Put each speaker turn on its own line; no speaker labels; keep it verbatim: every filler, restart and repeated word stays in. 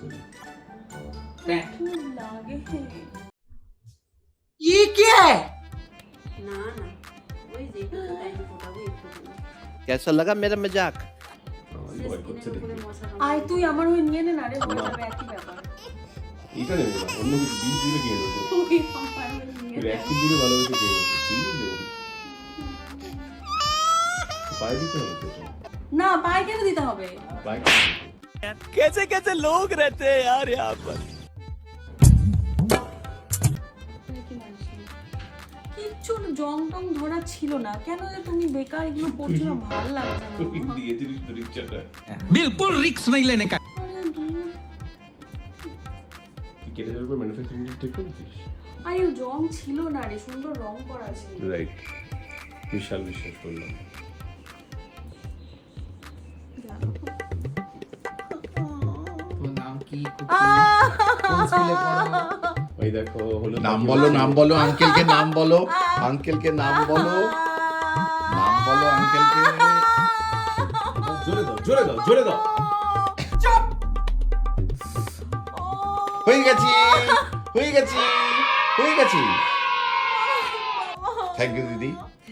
লাগে
ये क्या है?
না না ওই যে একটু টাইম ফোটাবো একটু
कैसा लगा मेरा मजाक?
আয় তুই আমার ওই নিয়ে নে না রে হয়ে যাবে একই ব্যাপার
এটা নেবো না, অন্য কিছু বিষ দিলে কিনে নেবো।
তুই আমার ওই নিয়ে নে।
একদিন দিলে ভালোবেসে কিনে নেবো, চিনি দেবো। পায়ে দিতে হবে তো।
না পায়ে কেন দিতে হবে
পায়ে
कैसे कैसे लोग रहते हैं यार यहाँ पर।
কিচ্ছু জং টং ধরা ছিল না কেন যে তুমি বেকার এগুলো করছো না ভালো লাগছে না
তুই দিয়ে দিলিস তো রিক্সাটা।
बिल्कुल रिक्स नहीं लेने का।
আরে দূর।
তুই কেটে যাওয়ার পর ম্যানুফ্যাকচারিং ঠিক করেছিস?
আরে জং ছিল না রে সুন্দর রং করা ছিল
রাইট, বিশাল বিশ্বাস করলাম।
তোমার নাম কি? কোন স্কুলে পড়ো?
ওই দেখো হলো
নাম বলো, নাম বলো, আঙ্কেলকে নাম বলো, আঙ্কেলকে নাম বলো, নাম বলো আঙ্কেলকে।
জোরে দাও, জোরে দাও, জোরে দাও।
হয়ে গেছি, হয়ে গেছি, হয়ে গেছি। থ্যাংক ইউ দিদি,